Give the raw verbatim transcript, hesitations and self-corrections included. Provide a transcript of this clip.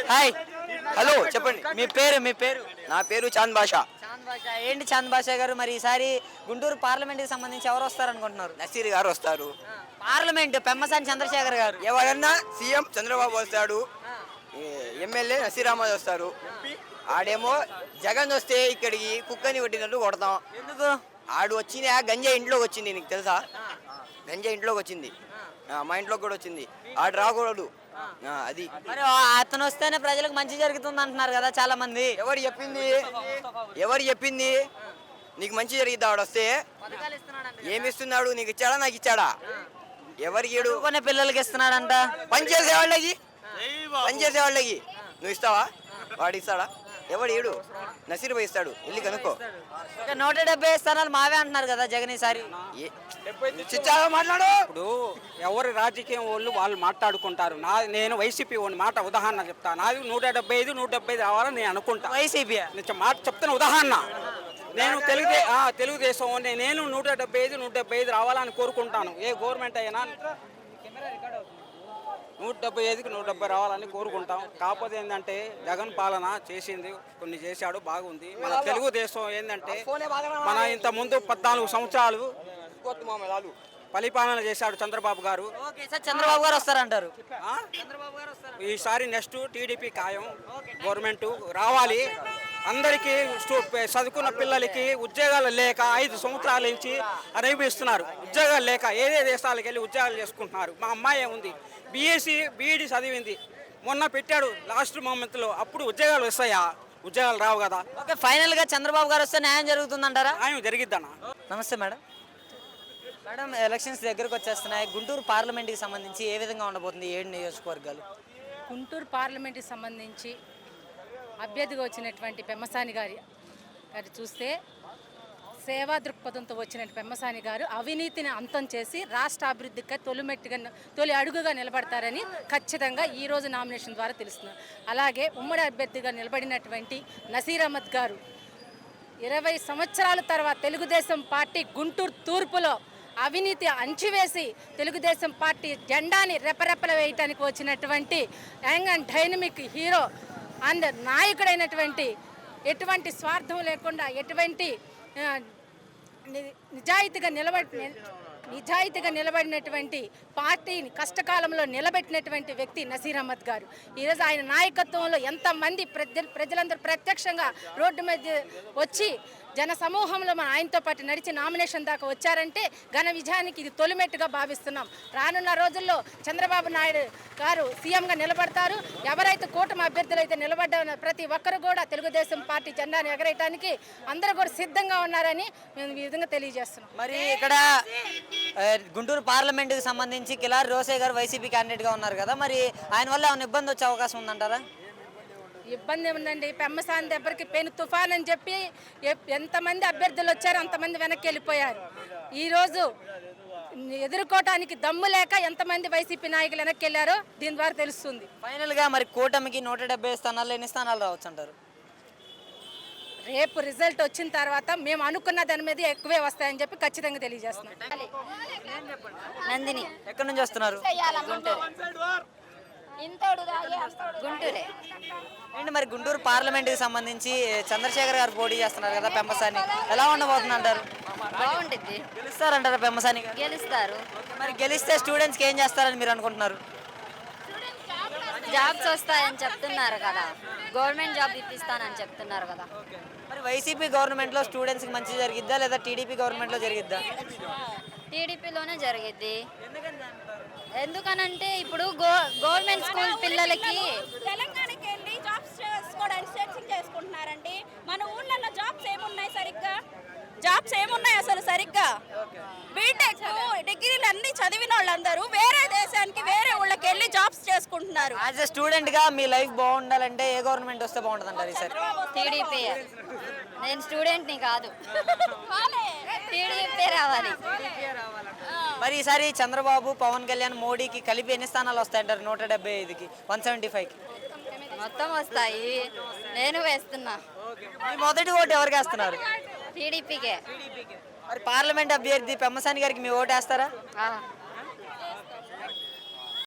Hi, hello చెప్పండి. మీ పేరు మీ పేరు నా పేరు చాంద్ బాషా. చాంద్ బాషా. ఏంటి చాంద్ బాషా గారు, మరి ఈసారి గుంటూరు పార్లమెంట్కి సంబంధించి ఎవరు వస్తారు అనుకుంటున్నారు? నసీర్ గారు వస్తారు. పార్లమెంట్ పెమ్మసాని చంద్రశేఖర్ గారు. ఎవరన్నా సీఎం చంద్రబాబు వస్తాడు, ఎమ్మెల్యే నసీర్ అహ్మద్ వస్తారు. ఆడేమో జగన్ వస్తే ఇక్కడికి కుక్కని కొట్టినట్టు కొడతాం. ఎందుకు? ఆడు వచ్చిన గంజా ఇంట్లోకి వచ్చింది, నీకు తెలుసా? గంజా ఇంట్లోకి వచ్చింది, మా ఇంట్లోకి కూడా వచ్చింది. ఆడు రాకూడదు. అది మరి అతను వస్తేనే ప్రజలకు మంచి జరుగుతుంది అంటున్నారు కదా చాలా మంది. ఎవరు చెప్పింది? ఎవరు చెప్పింది నీకు మంచి జరిగిద్దా? ఆడు వస్తే ఏమి ఇస్తున్నాడు? నీకు ఇచ్చాడా, నాకు ఇచ్చాడా? ఎవరికి ఏడు? కొన్ని పిల్లలకి ఇస్తున్నాడంట. పని చేసే వాళ్ళకి, పని చేసే వాళ్ళకి నువ్వు ఇస్తావా? వాడు ఇస్తాడా? ఎవడు ఏడు? నసీర్ భాయ్ ఇస్తాడు, వెళ్ళి కనుక్కో. నూట డెబ్బై స్థానాలు మావే అంటున్నారు కదా జగన్ ఈసారి. మాట్లాడు. ఇప్పుడు ఎవరి రాజకీయం వాళ్ళు వాళ్ళు మాట్లాడుకుంటారు. నా నేను వైసీపీ వాడిని మాట ఉదాహరణ చెప్తా. నాది నూట డెబ్బై ఐదు నూట డెబ్బై ఐదు రావాలని నేను అనుకుంటా. వైసీపీ నేను మాట చెప్తాను ఉదాహరణ. నేను తెలుగుదే తెలుగుదేశం నేను నూట డెబ్బై ఐదు నూట డెబ్బై ఐదు రావాలని కోరుకుంటాను. ఏ గవర్నమెంట్ అయినా నూట డెబ్బై ఐదుకి నూట డెబ్బై రావాలని కోరుకుంటాం. కాకపోతే ఏంటంటే జగన్ పాలన చేసింది, కొన్ని చేశాడు, బాగుంది. మన తెలుగుదేశం ఏంటంటే మన ఇంత ముందు పద్నాలుగు సంవత్సరాలు పరిపాలన చేశాడు చంద్రబాబు గారు. చంద్రబాబు గారు వస్తారంటారు. ఈసారి నెక్స్ట్ టీడీపీ ఖాయం గవర్నమెంట్ రావాలి. అందరికీ చదువుకున్న పిల్లలకి ఉద్యోగాలు లేక ఐదు సంవత్సరాల నుంచి అనుభవిస్తున్నారు. ఉద్యోగాలు లేక ఏదే దేశాలకు వెళ్ళి ఉద్యోగాలు చేసుకుంటున్నారు. మా అమ్మాయి ఉంది, బీఎస్సీ బీఈడీ చదివింది, మొన్న పెట్టాడు లాస్ట్ మూమెంట్లో. అప్పుడు ఉద్యోగాలు వస్తాయా? ఉద్యోగాలు రావు కదా. ఓకే, ఫైనల్ గా చంద్రబాబు గారు వస్తే న్యాయం జరుగుతుందంటారా? న్యాయం జరిగిద్దన్న. నమస్తే మేడం. మేడం, ఎలక్షన్స్ దగ్గరకు వచ్చేస్తున్నాయి. గుంటూరు పార్లమెంట్కి సంబంధించి ఏ విధంగా ఉండబోతుంది ఏడు నియోజకవర్గాలు? గుంటూరు పార్లమెంట్కి సంబంధించి అభ్యర్థిగా వచ్చినటువంటి పెమ్మసాని గారి గారి చూస్తే సేవా దృక్పథంతో వచ్చిన పెమ్మసాని గారు అవినీతిని అంతం చేసి రాష్ట్ర అభివృద్ధికి తొలిమెట్టుగా తొలి అడుగుగా నిలబడతారని ఖచ్చితంగా ఈరోజు నామినేషన్ ద్వారా తెలుస్తున్నారు. అలాగే ఉమ్మడి అభ్యర్థిగా నిలబడినటువంటి నసీర్ అహ్మద్ గారు ఇరవై సంవత్సరాల తర్వాత తెలుగుదేశం పార్టీ గుంటూరు తూర్పులో అవినీతి అంచివేసి తెలుగుదేశం పార్టీ జెండాని రెపరెపల వేయటానికి వచ్చినటువంటి young and dynamic hero and నాయకుడైనటువంటి, ఎటువంటి స్వార్థం లేకుండా ఎటువంటి నిజాయితీగా నిలబడి నిజాయితీగా నిలబడినటువంటి పార్టీని కష్టకాలంలో నిలబెట్టినటువంటి వ్యక్తి నసీర్ అహ్మద్ గారు. ఈరోజు ఆయన నాయకత్వంలో ఎంతమంది ప్రజ ప్రజలందరూ ప్రత్యక్షంగా రోడ్డు మీద వచ్చి జన సమూహంలో మన ఆయనతో పాటు నడిచి నామినేషన్ దాకా వచ్చారంటే ఘన విజయానికి ఇది తొలిమెట్టుగా భావిస్తున్నాం. రానున్న రోజుల్లో చంద్రబాబు నాయుడు గారు సీఎంగా నిలబడతారు. ఎవరైతే కూటమి అభ్యర్థులు అయితే నిలబడ్డ ప్రతి ఒక్కరు కూడా తెలుగుదేశం పార్టీ జెండాను ఎగరేయడానికి అందరూ కూడా సిద్ధంగా ఉన్నారని మేము ఈ విధంగా తెలియజేస్తున్నాం. మరి ఇక్కడ గుంటూరు పార్లమెంట్కి సంబంధించి కిలారి రోసే గారు వైసీపీ క్యాండిడేట్గా ఉన్నారు కదా, మరి ఆయన వల్ల ఏమైనా ఇబ్బంది వచ్చే అవకాశం ఉందంటారా? ఇబ్బంది ఉందండి. పెమ్మసాని దగ్గరికి పెను తుఫాన్ అని చెప్పి ఎంతమంది అభ్యర్థులు వచ్చారు అంతమంది వెనక్కి వెళ్ళిపోయారు. ఈరోజు ఎదుర్కోవటానికి దమ్ము లేక ఎంతమంది వైసీపీ నాయకులు వెనక్కి వెళ్ళారో దీని ద్వారా తెలుస్తుంది. ఫైనల్గా మరి కూటమికి నూట డెబ్బై స్థానాల్లో ఎన్ని స్థానాలు రావచ్చు అంటారు? రేపు రిజల్ట్ వచ్చిన తర్వాత మేము అనుకున్న దాని మీద ఎక్కువే వస్తాయని చెప్పి ఖచ్చితంగా తెలియజేస్తున్నాం. నందిని. ఎక్కడి నుంచి వస్తున్నారు? గుంటూరే. ఏంటి మరి గుంటూరు పార్లమెంట్కి సంబంధించి చంద్రశేఖర్ గారు పోటీ చేస్తున్నారు కదా, పెమ్మసాని ఎలా ఉండబోతుంది అంటారు? బాగుంటుంది. గెలుస్తారంటారా పెమ్మసాని? గెలుస్తారు. మరి గెలిస్తే స్టూడెంట్స్కి ఏం చేస్తారని మీరు అనుకుంటున్నారు? జాబ్స్ వస్తాయని చెప్తున్నారు కదా, గవర్నమెంట్ జాబ్ ఇప్పిస్తానని చెప్తున్నారు కదా. మరి వైసీపీ గవర్నమెంట్లో స్టూడెంట్స్కి మంచి జరిగిద్దా లేదా టీడీపీ గవర్నమెంట్లో జరిగిద్దా? టీడీపీలోనే జరిగిద్ది. ఎందుకనంటే ఇప్పుడు గో గవర్నమెంట్ స్కూల్ పిల్లలకి తెలంగాణకి వెళ్ళి జాబ్స్ చేసుకోవడానికి సెర్చింగ్ చేసుకుంటున్నారండి. మన ఊళ్ళల్లో జాబ్స్ ఏమున్నాయి సరిగ్గా? జాబ్స్ ఏమున్నాయి అసలు సరిగ్గా? బీటెక్ డిగ్రీలు అన్ని చదివిన వాళ్ళందరూ వేరే దేశానికి వేరే ఊళ్ళకి వెళ్ళి జాబ్స్ చేసుకుంటున్నారు. యాజ్ ఎ స్టూడెంట్గా మీ లైఫ్ బాగుండాలంటే ఏ గవర్నమెంట్ వస్తే బాగుంటుంది అంటారు ఈసారి? టీడీపీ. నేను స్టూడెంట్ని కాదు, టీడీపీ రావాలి. మరి ఈసారి చంద్రబాబు, పవన్ కళ్యాణ్, మోడీకి కలిపి ఎన్ని స్థానాలు వస్తాయంటారు? నూట డెబ్బై ఐదుకి వన్ సెవెంటీ ఫైవ్కి మొత్తం వస్తాయి. నేను వేస్తున్నా. మొదటి ఓటు ఎవరికి వేస్తున్నారు? టీడీపీకే. మరి పార్లమెంట్ అభ్యర్థి పెమ్మసాని గారికి మీ ఓటు వేస్తారా?